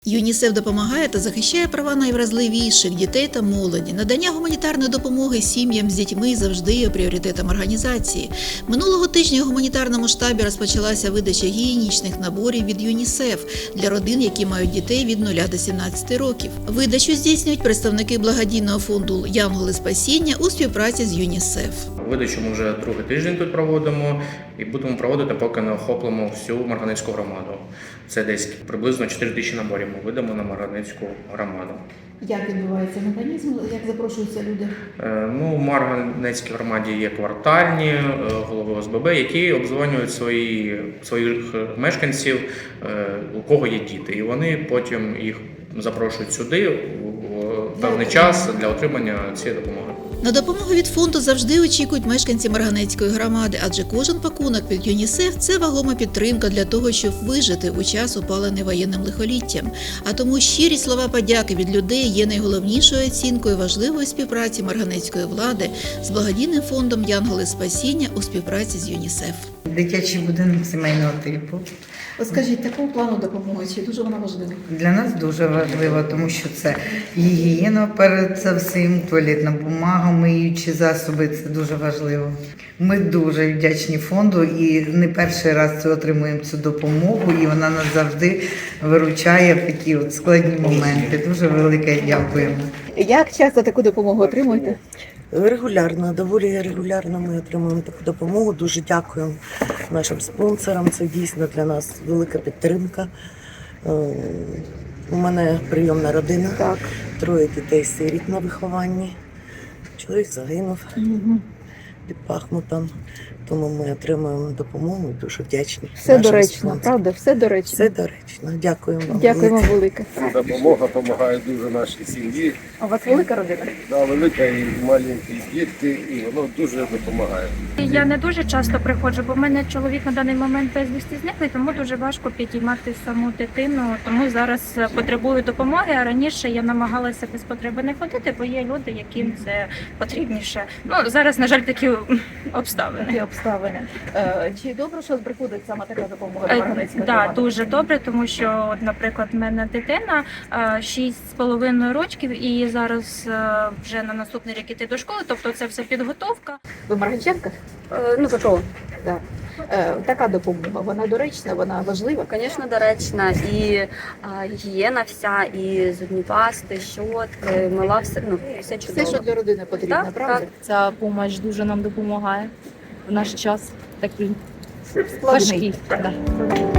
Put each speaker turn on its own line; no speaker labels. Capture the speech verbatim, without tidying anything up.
ЮНІСЕФ допомагає та захищає права найвразливіших дітей та молоді. Надання гуманітарної допомоги сім'ям з дітьми завжди є пріоритетом організації. Минулого тижня у гуманітарному штабі розпочалася видача гігієнічних наборів від ЮНІСЕФ для родин, які мають дітей від нуля до сімнадцяти років. Видачу здійснюють представники благодійного фонду «Янголи спасіння» у співпраці з ЮНІСЕФ.
Видачу ми вже другий тиждень тут проводимо і будемо проводити, поки не охоплимо всю Марганецьку громаду. Це десь приблизно чотири тисячі наборів ми видамо на Марганецьку громаду.
Як відбувається механізм, як запрошуються люди?
Ну, в Марганецькій громаді є квартальні голови О С Б Б, які обдзвонюють свої, своїх мешканців, у кого є діти. І вони потім їх запрошують сюди у певний час для отримання цієї допомоги.
На допомогу від фонду завжди очікують мешканці Марганецької громади, адже кожен пакунок від ЮНІСЕФ – це вагома підтримка для того, щоб вижити у час, опалений воєнним лихоліттям. А тому щирі слова подяки від людей є найголовнішою оцінкою важливої співпраці марганецької влади з благодійним фондом «Янголи спасіння» у співпраці з ЮНІСЕФ.
Дитячий будинок сімейного типу.
От скажіть, такого плану допомоги, чи дуже вона важлива?
Для нас дуже важливо, тому що це гігієна перед це всім, туалетна бумага, миючі засоби, це дуже важливо. Ми дуже вдячні фонду і не перший раз отримуємо цю допомогу, і вона нас завжди виручає в такі от складні моменти. Дуже велике дякуємо.
Як часто таку допомогу отримуєте?
Регулярно, доволі регулярно ми отримуємо таку допомогу. Дуже дякуємо нашим спонсорам. Це дійсно для нас велика підтримка. У мене прийомна родина, так. Троє дітей-сиріт на вихованні. Чоловік загинув угу. під Бахмутом, тому ми отримуємо допомогу і дуже вдячні.
Все доречно, правда? Все доречно.
Все доречно. Дякуємо вам.
Дякуємо велике.
Допомога допомагає дуже нашій сім'ї.
А у вас велика родина?
Да, велика і маленькі дітки, і воно дуже допомагає.
Я не дуже часто приходжу, бо в мене чоловік на даний момент безвісти зниклий, тому дуже важко підіймати саму дитину. Тому зараз потребую допомоги, а раніше я намагалася без потреби не ходити, бо є люди, яким це потрібніше. Ну, зараз, на жаль, такі обставини.
Такі обставини. Е, чи добре, що приходить саме така допомога до Марганецької
Так,
громади?
дуже добре, тому що, от, наприклад, в мене дитина шість з половиною років, і зараз е, вже на наступний рік іти до школи, тобто це все підготовка.
Ви марганчанка?
Е, ну, ППО.
Так. Е, така допомога, вона доречна, вона важлива?
Звісно, доречна. І а, гігієна вся, і зубні пасти, щотки, мила, все, ну, все чудово.
Все, що для родини потрібно,
Так,
правда?
так.
Ця допомога дуже нам допомагає в наш час такий
Складний.
важкий. Да.